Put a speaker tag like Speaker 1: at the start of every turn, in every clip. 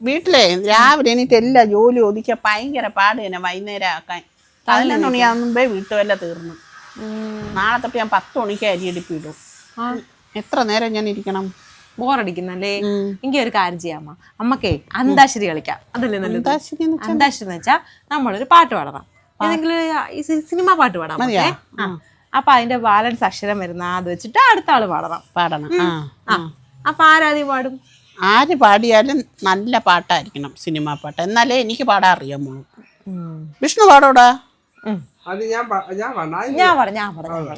Speaker 1: വീട്ടിലെ രാവിലെ എനിക്ക് എല്ലാ ജോലി ഒതുക്കിയ ഭയങ്കര പാട് തന്നെ വൈകുന്നേരം ആക്കാൻ 11 മണിയാകുമ്പേ വീട്ടുവല്ല തീർന്നു. നാളെ തൊട്ട് ഞാൻ 10 മണിക്ക് അരിയെടുപ്പിടും. എത്ര നേരം ഞാൻ ഇരിക്കണം?
Speaker 2: ബോറടിക്കുന്നല്ലേ? എനിക്ക് ഒരു കാര്യം ചെയ്യാമ്മ, അമ്മക്കേ അന്താക്ഷരി കളിക്കാം. അതല്ലേ നല്ലത്? അന്താക്ഷരി എന്ന് വെച്ചാൽ നമ്മളൊരു പാട്ട് പാടണം, ഏതെങ്കിലും സിനിമ പാട്ട് പാടാം. അപ്പൊ അതിന്റെ ബാലൻസ് അക്ഷരം വരുന്ന അത് വെച്ചിട്ട് അടുത്ത ആള് പാടണം. അപ്പൊ ആരാദ്യം പാടും?
Speaker 1: ആര് പാടിയാലും നല്ല പാട്ടായിരിക്കണം, സിനിമ പാട്ട്, എന്നാലേ എനിക്ക് പാടാൻ അറിയാമോ. വിഷ്ണു പാടോടാ?
Speaker 2: ഞാൻ പാടാം.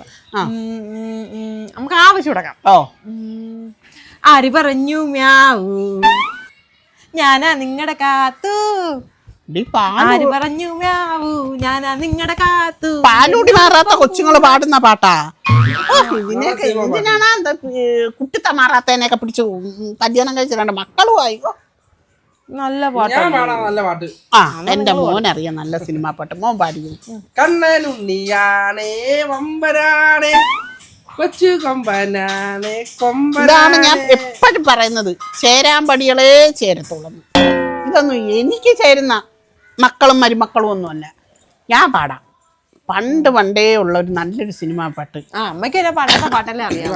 Speaker 2: നമുക്ക് ആവശ്യം കൊടുക്കാം. ആര് പറഞ്ഞു മ്യാവൂ ഞാനാ നിങ്ങടെ കാത്തു, ആര് പറഞ്ഞു മ്യാവൂ ഞാനാ നിങ്ങടെ കാത്തു.
Speaker 1: പാലൂടി മാറാത്ത കൊച്ചുങ്ങള് പാടുന്ന പാട്ടാ. ഇതിനൊക്കെ എന്തിനാണ് കുട്ടിത്ത മാറാത്തതിനെയൊക്കെ പിടിച്ച് കല്യാണം കഴിച്ചിട്ടുണ്ട് മക്കളും ആയിക്കോ.
Speaker 2: നല്ല പാട്ട്.
Speaker 1: ആ എന്റെ മോനറിയാം നല്ല സിനിമാ പാട്ട്. മോൻ പാടിയോ?
Speaker 3: കണ്ണനുണ്ണിയാണേ വമ്പരാണേ കൊച്ചു കൊമ്പനാണേ
Speaker 1: ഇതാണ് ഞാൻ എപ്പോഴും പറയുന്നത്, ചേരാമ്പടികളെ ചേരത്തുള്ളൂ. ഇതൊന്നും എനിക്ക് ചേരുന്ന മക്കളും മരുമക്കളും ഒന്നുമല്ല. ഞാൻ പാടാം. പണ്ടേ ഉള്ള ഒരു നല്ലൊരു സിനിമാ പാട്ട്.
Speaker 2: പണ്ടത്തെ പാട്ടല്ലേ അറിയാം.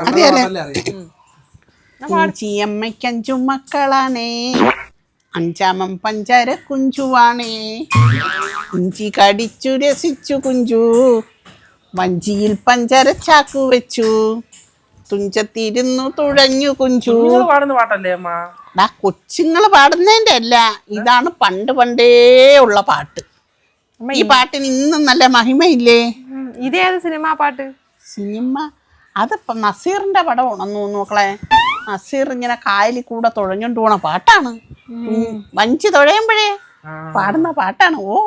Speaker 1: അമ്മയ്ക്ക് 5 മക്കളാണേ, 5ാമൻ പഞ്ചാര കുഞ്ചുവാണേ. കുഞ്ചി കടിച്ചു രസിച്ചു കുഞ്ചു, വഞ്ചിയിൽ പഞ്ചാര ചാക്കു വെച്ചു, തുഞ്ചത്തിരുന്നു തുഴഞ്ഞു കുഞ്ചു.
Speaker 3: പാട്ടല്ലേ അമ്മ?
Speaker 1: കൊച്ചുങ്ങള് പാടുന്നതിന്റെ അല്ല, ഇതാണ് പണ്ടേ ഉള്ള പാട്ട്. ഈ പാട്ടിന് ഇന്നും നല്ല മഹിമയില്ലേ?
Speaker 2: ഇതേത് സിനിമ പാട്ട്?
Speaker 1: സിനിമ അതിപ്പോ നസീറിന്റെ പടമാണെന്ന് തോന്നുന്നു മക്കളെ. നസീർ ഇങ്ങനെ കായലിൽ കൂടെ തുഴഞ്ഞോണ്ട് പോണ പാട്ടാണ്. വഞ്ചി തുഴയുമ്പോഴേ പാടുന്ന പാട്ടാണ്. ഓ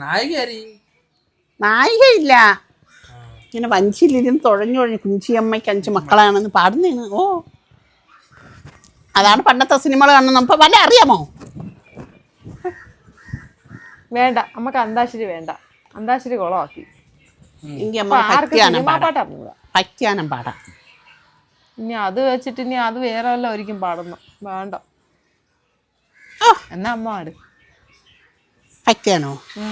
Speaker 1: നായികയില്ല, ഇങ്ങനെ വഞ്ചിയിലിരുന്ന് തുഴഞ്ഞു കുഞ്ചിയമ്മയ്ക്ക് 5 മക്കളാണെന്ന് പാടുന്നതാണ്. ഓ അതാണ് പണ്ടത്തെ സിനിമകൾ കാണുന്നത്. നമുക്ക് വല്ല അറിയാമോ?
Speaker 2: വേണ്ട, നമുക്ക് അന്താക്ഷരി വേണ്ട. അന്താക്ഷരി കുളമാക്കി.
Speaker 1: പയ്ക്കാനം പാടാം.
Speaker 2: ഇനി അത് വെച്ചിട്ട് ഇനി അത് വേറെ വല്ല ഒരിക്കും പാടുന്നു. വേണ്ട, എന്നാ അമ്മ പാട്.
Speaker 1: പയ്ക്കാനോ?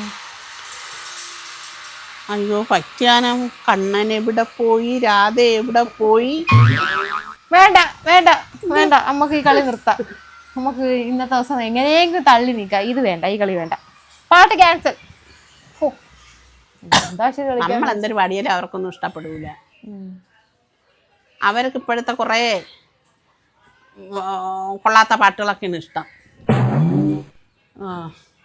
Speaker 1: അയ്യോ പയ്ക്കാനം. കണ്ണൻ എവിടെ പോയി, രാധ എവിടെ പോയി?
Speaker 2: വേണ്ട വേണ്ട വേണ്ട, നമുക്ക് ഈ കളി നിർത്താം. നമുക്ക് ഇന്നത്തെ ദിവസം എങ്ങനെയെങ്കിലും തള്ളി നീക്കാം. ഇത് വേണ്ട, ഈ കളി വേണ്ട. പാട്ട് ക്യാൻസൽ.
Speaker 1: നമ്മൾ എന്തൊരു പാടിയാലും അവർക്കൊന്നും ഇഷ്ടപ്പെടൂല. അവർക്ക് ഇപ്പോഴത്തെ കുറേ കൊള്ളാത്ത പാട്ടുകളൊക്കെയാണ് ഇഷ്ടം.